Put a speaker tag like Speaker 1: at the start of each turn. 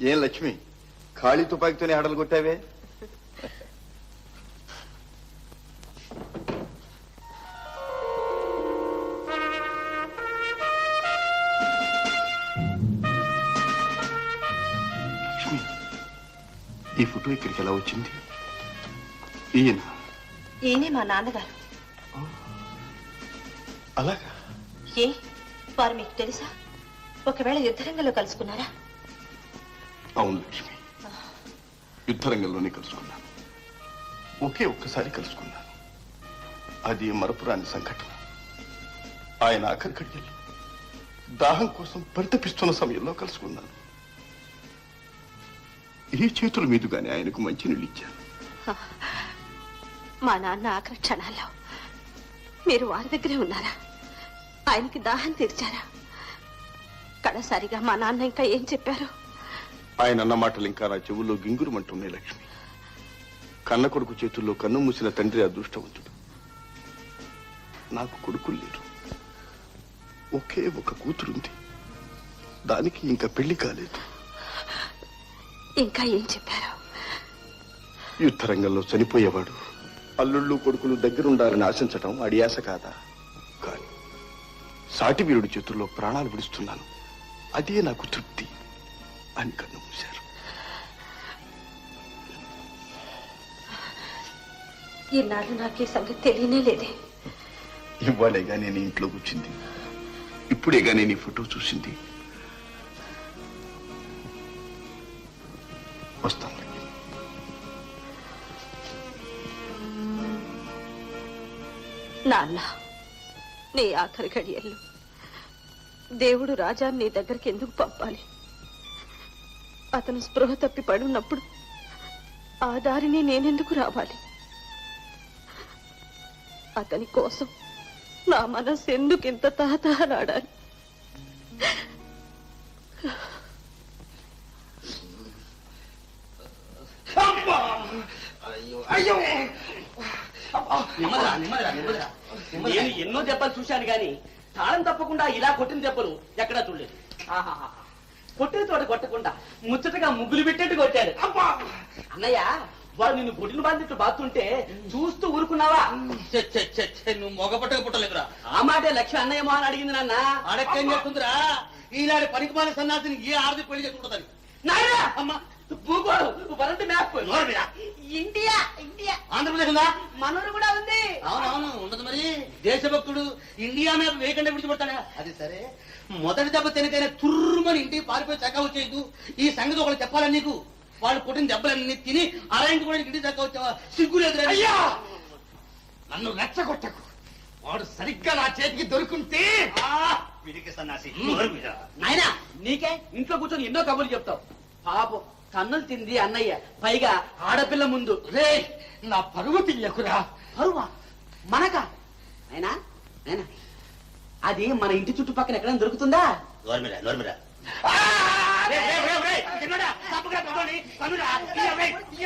Speaker 1: ఏం లక్ష్మి, ఖాళీ తుపాకీతోనే ఆడలు కొట్టావే? లక్ష్మి, ఈ ఫోటో ఇక్కడికి ఎలా వచ్చింది?
Speaker 2: ఈయనే మా నాన్నగారు.
Speaker 1: అలాగా?
Speaker 2: ఏ వారు మీకు తెలుసా? ఒకవేళ యుద్ధరంగంలో కలుసుకున్నారా?
Speaker 1: అవును లక్ష్మి, యుద్ధరంగంలోనే కలుసుకున్నాను. ఒకే ఒక్కసారి కలుసుకున్నాను. అది మరపురాని సంఘటన. ఆయన ఆఖరి గడియల్లో దాహం కోసం పరితపిస్తున్న సమయంలో కలుసుకున్నాను. ఈ చేతుల మీదుగానే ఆయనకు మంచినీళ్ళు ఇచ్చాను.
Speaker 2: మా నాన్న ఆఖరి క్షణాల్లో మీరు వారి దగ్గరే ఉన్నారా? ఆయనకి దాహం తీర్చారా? కడసారిగా మా నాన్న ఇంకా ఏం చెప్పారు?
Speaker 1: ఆయన అన్న మాటలు ఇంకా నా చెవుల్లో గింగురుమంటున్నాయి లక్ష్మి. కన్న కొడుకు చేతుల్లో కన్ను మూసిన తండ్రి అదృష్టవంతుడు. నాకు కొడుకులు లేరు. ఒకే ఒక కూతురుంది. దానికి ఇంకా పెళ్లి కాలేదు.
Speaker 2: ఇంకా ఏం చెప్పారు?
Speaker 1: యుద్ధరంగంలో చనిపోయేవాడు అల్లుళ్ళు కొడుకులు దగ్గరుండాలని ఆశించటం అడియాస కాదా? కాని సాటి వీరుడి చేతుల్లో ప్రాణాలు విడుస్తున్నాను, అదే నాకు తృప్తి అని కన్ను మూశారు.
Speaker 2: ఈనాడు నాకే సంగతి తెలియనే లేదే.
Speaker 1: ఇవ్వాలేగా నేను ఇంట్లో కూర్చుంది, ఇప్పుడేగా నేను ఈ ఫోటో చూసింది. వస్తాను.
Speaker 2: నాన్న, నీ ఆఖరి గడియల్లో దేవుడు రాజా నీ దగ్గరికి ఎందుకు పంపాలి? అతను స్పృహ తప్పి పడున్నప్పుడు ఆ దారిని నేనెందుకు రావాలి? అతని కోసం నా మనసు ఎందుకు ఇంత తహతహలాడాలి?
Speaker 3: నేను ఎన్నో దెబ్బలు చూశాను గాని తాళం తప్పకుండా ఇలా కొట్టిన దెబ్బలు ఎక్కడా చూడలేదు. కొట్టిన తోట కొట్టకుండా ముచ్చటగా ముగ్గులు పెట్టేట్టు కొట్టాడు. అబ్బా అన్నయ్య, వాడు నిన్ను బొడిని బాధిట్టు బాతుంటే చూస్తూ ఊరుకున్నావా?
Speaker 4: నువ్వు మొగపట్టక పుట్టలేదురా.
Speaker 3: ఆ మాటే లక్ష్మి అన్నయ్య మోహన్ అడిగింది నాన్న.
Speaker 4: అడక్కేం చెప్తుందిరా? ఈనాడు పనికిమాల సన్నాసిని ఏ ఆడది పెళ్లి చేసుకుంటుందని.
Speaker 3: నాయనా అమ్మా, భూగోళం world map India India
Speaker 4: Andhra Pradesh ఉందా?
Speaker 3: మనూరు కూడా ఉంది.
Speaker 4: అవునవును, ఉండదు మరి. దేశభక్తుడు ఇండియా మీద వేయకుండా విడిచిపెడతాడా? అది సరే, మొదటి దెబ్బ తినకైనా తుర్రుమని ఇంటికి పారిపోయి చక్క వచ్చేయద్దు. ఈ సంగతి ఒకటి చెప్పాలని నీకు. వాళ్ళు కొట్టిన దెబ్బలన్నీ తిని అరాయింటి కూడా ఇంటికి చక్క వచ్చావా? సిగ్గులేదు.
Speaker 1: అయ్యా, నన్ను రెచ్చగొట్టకు. వాడు సరిగ్గా నా చేతికి దొరుకుంటే
Speaker 4: వీరికి సన్నాసి.
Speaker 3: నాయనా, నీకే ఇంట్లో కూర్చొని ఎన్నో కబుర్లు చెప్తావు. పాపం కన్నులు తింది అన్నయ్య, పైగా ఆడపిల్ల ముందు.
Speaker 1: రే, నా పరువు తీయకురా.
Speaker 3: పరువా? మనక? అయినా అయినా అది మన ఇంటి చుట్టుపక్కల ఎక్కడైనా దొరుకుతుందా?
Speaker 4: నోర్మిరా నోర్మిరా.